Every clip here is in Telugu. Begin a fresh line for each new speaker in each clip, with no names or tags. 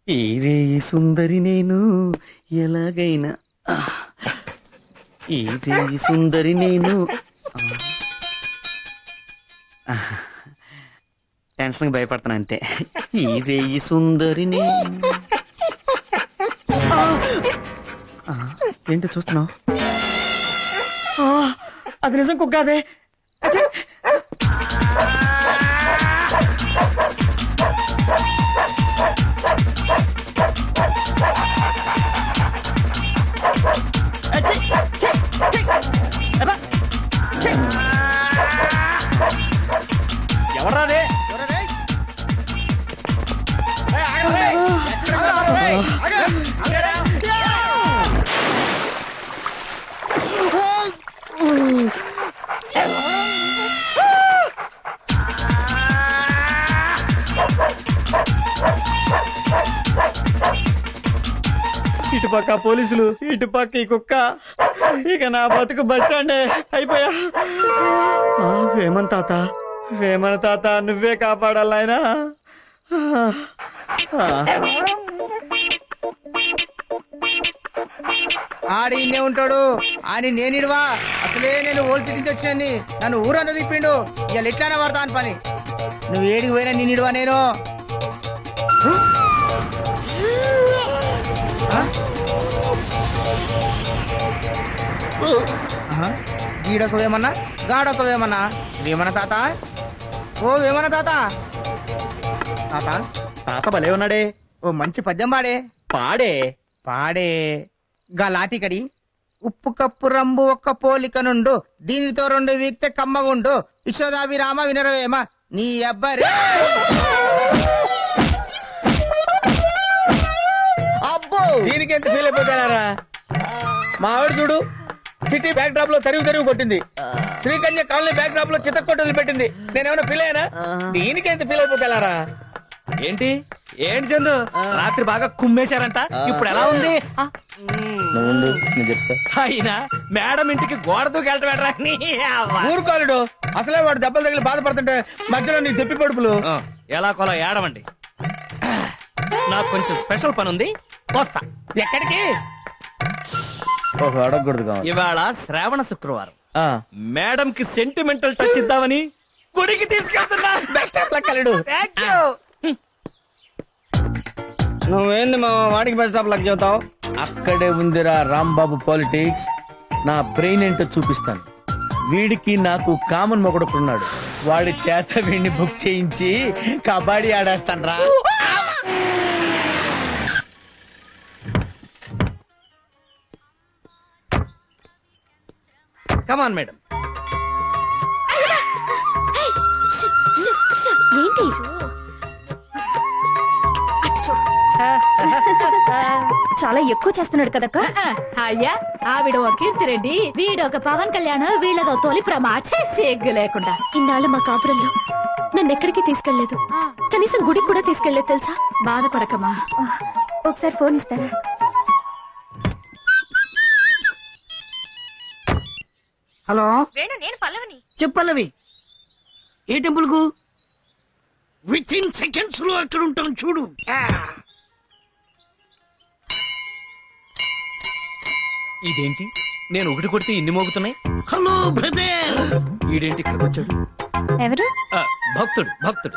ఈ రేయి సుందరి నేను ఎలాగైనా ఈ రేయి సుందరి నేను టెన్షన్ భయపడతాను అంతే. ఈ రేయి సుందరి నేను ఏంటి చూస్తున్నావు? అది నిజం కుక్క అదే. ఎవరాదే? ఇటుపక్క పోలీసులు, ఇటుపక్క ఈ కుక్క. ఇక నా బతుకు బస్టాండే అయిపోయా. వేమన తాత, వేమన తాత నువ్వే కాపాడాలి ఆయన.
ఆడి ఇన్నే ఉంటాడు అని నేనిడవా. అసలే నేను ఓల్డ్ సిటీ నుంచి వచ్చాను. నన్ను ఊరంతా తిప్పిండు. ఇవాళ ఎట్లానే పడతా అని పని. నువ్వు ఏడికి పోయినా నేనిడవా నేను. గీడొక వేమన్నా, గాడొక వేమన్నా. వేమన తాత, ఓ వేమన తాత. తాత
తాత భలే ఉన్నాడే.
ఓ మంచి పద్యం పాడే.
పాడే
పాడే. గా లాటికడి ఉప్పు కప్పు రంబు ఒక్క పోలిక నుండు, దీనితో రెండు వీక్తే కమ్మగుండు, యశోదాభిరామ వినరవేమ నీ అబ్బరే.
అబ్బో దీనికి ఎంత ఫీల్ అయిపోతారా? మా ఆవిడ చూడు, సిటీ బ్యాక్ డ్రాప్ లో తరివి కొట్టింది. శ్రీకన్య కాలనీ బ్యాక్ డ్రాప్ లో చిత్తకొట్టలు పెట్టింది. నేనేమన్నా ఫీల్ అయ్యానా? దీనికి ఎంత ఫీల్ అయిపోతారా?
ఏంటి ఏంటి చందు, రాత్రి బాగా కుమ్మేశారంట. ఇప్పుడు ఎలా ఉంది? అయినా మేడం ఇంటికి గోడ దూకెళ్ళటం.
ఊరుకోలేడు. అసలే వాడు దెబ్బలు తగిలి బాధపడుతుంటే మధ్యలో నీ తెప్పి పడుపులు.
ఎలా కొలా ఏడవండి. నాకు కొంచెం స్పెషల్ పని ఉంది, వస్తా.
ఎక్కడికి?
అడగకూడదు.
ఇవాళ శ్రావణ శుక్రవారం. మేడం కి సెంటిమెంటల్ టచ్ ఇద్దామని గుడికి తీసుకెళ్తున్నా.
బెస్ట్ ఆఫ్ లక్ అల్లుడు.
Thank you.
నువ్వేంది మా వాడికి బెస్ట్ ఆఫ్ లక్ చెబుతావు? అక్కడే ఉందిరా రాంబాబు పాలిటిక్స్. నా బ్రెయిన్ ఏంటో చూపిస్తాను. వీడికి నాకు కామన్ మొగడుకున్నాడు. వాడి చేత వీడిని బుక్ చేయించి కబడ్డీ ఆడేస్తాను రా.
Come on madam.
ఏంటి చాలా ఎక్కువ చేస్తున్నాడు కదక్క.
అయ్యా ఆవిడ ఒక కీర్తిరెడ్డి, వీడొక పవన్ కళ్యాణ్, వీళ్ళదో తొలి ప్రమాచే సిగ్గు లేకుండా.
ఇన్నాళ్ళు మా కాపురంలో నన్ను ఎక్కడికి తీసుకెళ్లేదు. కనీసం గుడికి కూడా తీసుకెళ్లేదు తెలుసా.
బాధపడకమా.
ఒకసారి ఫోన్ ఇస్తారా?
హలో
వేణు, నేను పల్లవిని.
చెప్పల్లవి. ఏ టెంపుల్ కు? విత్ ఇన్ సెకండ్స్ లో అక్కడ ఉంటాం చూడు.
ఇదేంటి నేను ఒకటి కొడితే ఇన్ని మోగుతున్నాయి?
Hello brother.
ఈడేంటి ఇక్కడికి వచ్చాడు?
ఎవరు?
భక్తుడు భక్తుడు.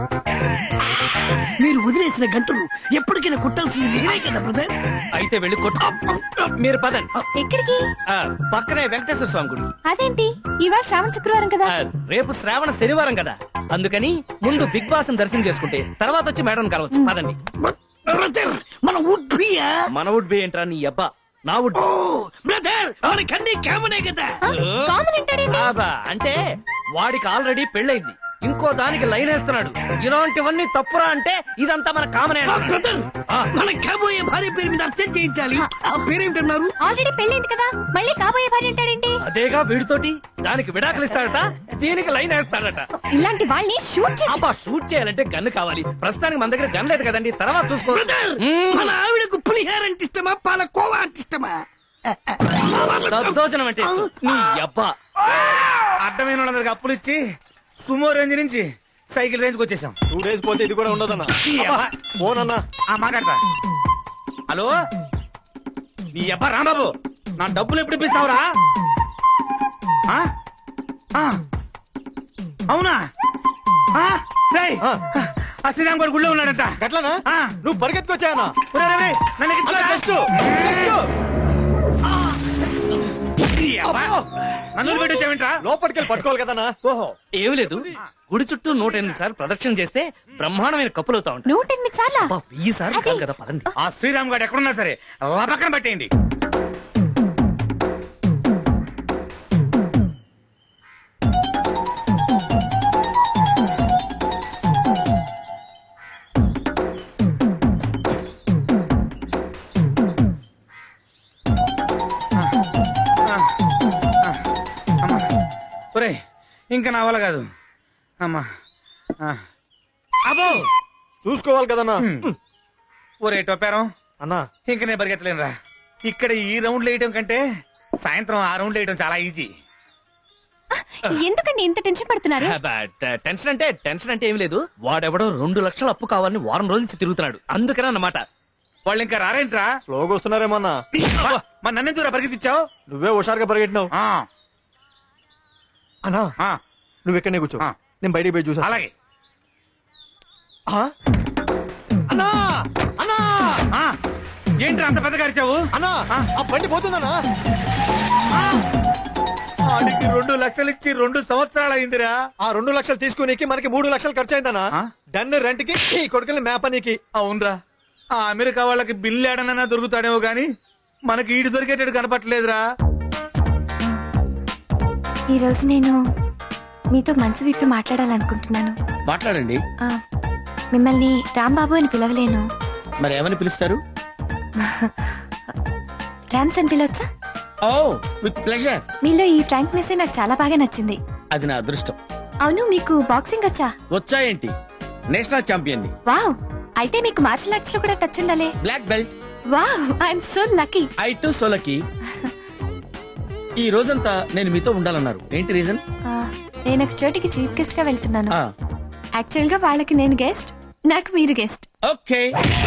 మీరు వదిలేసిన గంటలు ఎప్పటికైనా కొట్టాల్సింది నేనే కదా బ్రదర్.
అయితే వెళ్ళి కొట్టు. మీరు పదండి.
ఎక్కడికి?
పక్కనే వెంకటేశ్వర స్వామి గుడి.
అదేంటి ఇవాళ శ్రావణ శుక్రవారం కదా.
రేపు శ్రావణ శనివారం కదా, అందుకని ముందు బిగ్ బాస్ దర్శనం చేసుకుంటే తర్వాత వచ్చి మేడం కలవచ్చు. పదండి.
మన వుడ్ బియా?
మన వుడ్ బి ఏంట్రా నీ అబ్బా? నా వుడ్
బ్రదర్ మనకన్నీ కామనే కదా.
అంటే వాడికి ఆల్రెడీ పెళ్ళైంది, ఇంకో దానికి లైన్ వేస్తున్నాడు. ఇలాంటివన్నీ తప్పురా అంటే ఇదంతా మన కామనే.
బ్రదర్ మన కాబోయే భార్య పేరు మీద అర్చన చేయించాలి. ఆ పేరేమిటన్నారు?
ఆల్రెడీ పెళ్ళైంది కదా, మళ్ళీ కాబోయే భార్య అంటాడేంటి?
అదేగా వీడితోటి. దానికి విడాకులు ఇస్తాడట, దీనికి లైన్ వేస్తాడట.
ఇలాంటి వాళ్ళని షూట్ చేసి
అబ్బా షూట్ చేయాలంటే గన్ను కావాలి. ప్రస్తుతానికి మన దగ్గర గన్ లేదు కదండి, తర్వాత చూసుకో.
మన ఆవిడకు పులిహార అంటే ఇష్టమా, పాలకోవా అంటే ఇష్టమా?
దద్దోజనం అంటే ఇష్టం. నీ అబ్బా
అడ్డమైన వాళ్ళందరికి అప్పులు ఇచ్చి సుమో రేంజ్ నుంచి
సైకిల్ రేంజ్కి వచ్చేసాం.
2 days పోతే ఇది కూడా ఉండదన్నా. ఫోన్ అన్నా.
మాట్లాడతా. హలో, నీ అబ్బా రాంబాబు, నా డబ్బులు ఎప్పుడు ఇప్పిస్తావురా? ఆ? ఆ. అవునా? ఆ? రేయ్, ఆ శ్రీరామ్ గారు గుళ్ళో ఉన్నాడంట.
గట్లనా?
ఆ.
నువ్వు పరిగెత్తుకొచ్చాయన్నా.
ఒరేయ్, ఒరేయ్, ఒరేయ్, నన్ను ఎక్కించుకోరా. నన్ను పెట్టొచ్చావేంట్రా?
లోపలికెళ్ళి పట్టుకోవాలి కదన్నా.
ఓహో,
ఏమి లేదు, గుడి చుట్టూ 108 సార్లు ప్రదక్షిణ చేస్తే బ్రహ్మాండమైన కప్పులు అవుతా ఉంటాయి.
108 సార్లా?
1000 సార్లు కాదు కదా, పదండి.
ఆ శ్రీరామ్ గారు ఎక్కడున్నా సరే పక్కన పెట్టేయండి. ఒరేయ్, ఇంకా నా వల్ల కాదు. అమ్మా. అబ్బో,
చూసుకోవాలి కదన్నా.
ఒరే టొప్పారం,
అన్నా
ఇంక నేను పరిగెత్తలేనురా. ఇక్కడ ఈ రౌండ్లు వేయటం కంటే సాయంత్రం ఆ రౌండ్లు వేయటం చాలా ఈజీ.
ఎందుకండి ఇంత టెన్షన్ పడుతున్నారు?
టెన్షన్ అంటే ఏమి లేదు, వాడెవడో 2 లక్షల అప్పు కావాలని వారం రోజుల నుంచి తిరుగుతున్నాడు, అందుకనే అన్నమాట.
వాళ్ళు ఇంకా రారేంట్రా?
స్లోగా వస్తున్నారేమన్నా.
మా నన్నెందుకురా పరిగెత్తిచ్చావు?
నువ్వే హుషారుగా పరిగెట్టినావు. అన్నా నువ్వు ఎక్కడనే కూర్చో,
ఆ.
నేను బయటికి పోయి చూసా.
అలాగే.
ఆ? అన్నా అన్నా
ఆ, ఏంట్రా అంత పెద్దగా అరిచావు?
అన్నా ఆ బండి పోతుందన్నా.
ఆడికి 2 లక్షలు ఇచ్చి 2 సంవత్సరాలు అయిందిరా.
ఆ 2 లక్షలు తీసుకునేకి మనకి 3 లక్షలు ఖర్చు అయిందన్నా.
ఆ?
డన్ రెంట్ కి ఈ కొడుకుని మేపనీకి.
అవునరా, ఆ అమెరికా వాళ్ళకి బిల్లు ఏడనన్నా దొరుకుతాడేమో గాని మనకి ఈడు దొరికేటట్టు కనపట్లేదురా.
ఈ రోజు నేను మీతో మనసు విప్పి మాట్లాడాలనుకుంటున్నాను.
మాట్లాడండి.
ఆ, మిమ్మల్ని రాంబాబు అని పిలవలేను.
మరి ఏమని పిలుస్తారు?
రామ్స్ అని పిలవచ్చా?
ఓ, విత్ ప్లెజర్.
మీలో ఈ ఫ్రాంక్నెస్ నాకు చాలా బాగా నచ్చింది.
అది నా అదృష్టం.
అవును, మీకు బాక్సింగ్ వచ్చా?
వచ్చాయేంటి? నేషనల్ ఛాంపియన్ ని.
వావ్, అయితే మీకు మార్షల్ ఆర్ట్స్ లో కూడా టచ్ ఉండాలి.
Black belt.
Wow, I'm so lucky.
I too so lucky. ఈ రోజంతా నేను మీతో ఉండాలన్నారు, ఏంటి రీజన్?
నేను ఒక చోటికి చీఫ్ గెస్ట్ గా వెళ్తున్నాను. యాక్చువల్ గా వాళ్ళకి నేను గెస్ట్, నాకు మీరు guest.
Okay.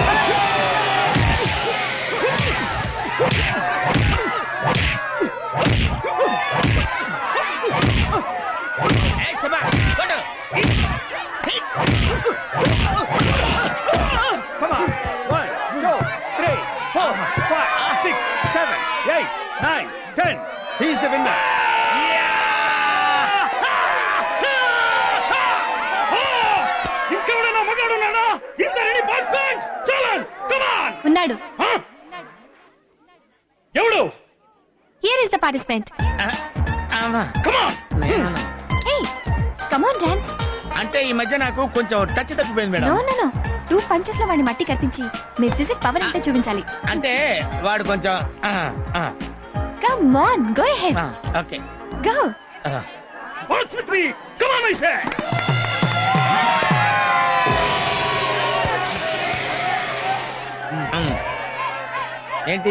Come on. 1, 2, 3, 4, 5, 6, 7, 8, 9, 10. He's the winner. ఇంకెవడన్నా మగాడున్నాడా? Is there any participant? Challenge. Come on.
ఉన్నాడు.
ఎవడు?
Here is the participant.
Come on.
Hey, come on dance.
అంటే ఈ మధ్య నాకు కొంచెం టచ్ తప్పిపోయింది
no
madam.
No no, 2 punches లో వాడిని మట్టి కత్తించి మీ ఫిజిక్ పవర్ అంటే చూపించాలి.
అంటే వాడు కొంచెం
come on, go ahead.
Okay.
Go.
What's with me? Come on, I say.
ఏంటి?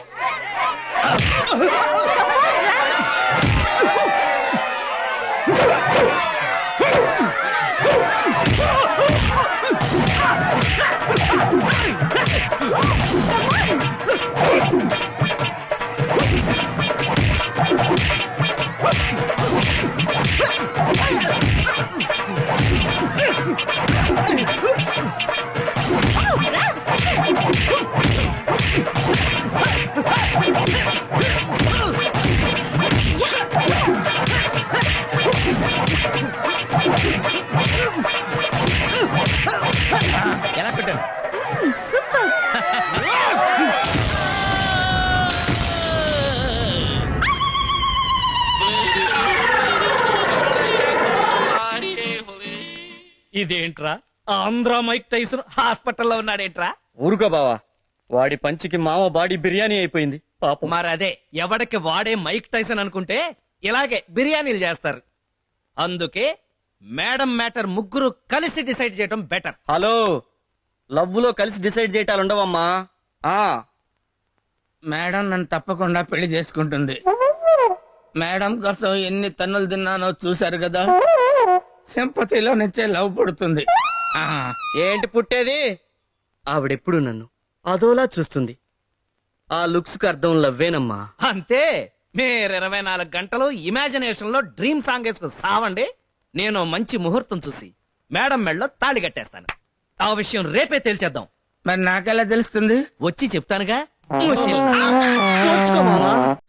ఎలా పెట్టాను?
సూపర్.
ఇదేంట్రా, ఆంధ్ర మైక్ టైసన్ హాస్పిటల్లో ఉన్నాడేంట్రా?
ఊరుకో బావా, వాడి పంచికి మామ బాడీ బిర్యానీ అయిపోయింది పాపం.
మరదే, ఎవడికి వాడే మైక్ టైసన్ అనుకుంటే ఇలాగే బిర్యానీలు చేస్తారు. అందుకే మేడం మ్యాటర్ ముగ్గురు కలిసి డిసైడ్ చేయడం బెటర్.
హలో, లవ్ లో కలిసి డిసైడ్ చేయటాలు ఉండవమ్మా.
మేడం నన్ను తప్పకుండా పెళ్లి చేసుకుంటుంది. మేడం కోసం ఎన్ని తన్నులు తిన్నానో చూశారు కదా. సింపతిలో నుంచే లవ్ పుడుతుంది. ఆ,
ఏంటి పుట్టేది? ఆవిడెప్పుడు నన్ను అదోలా చూస్తుంది. ఆ లుక్స్ కు అర్థం లవ్వేనమ్మా. అంతే. మీరు 24 గంటలు ఇమాజినేషన్ లో డ్రీమ్ సాంగ్ వేసుకుని సావండి. నేను మంచి ముహూర్తం చూసి మేడం మెళ్ళలో తాళి కట్టేస్తాను. ఆ విషయం రేపే తేల్చేద్దాం.
మరి నాకెలా తెలుస్తుంది?
వచ్చి చెప్తానుగా. ముసిల్. వచ్చుకో మావా.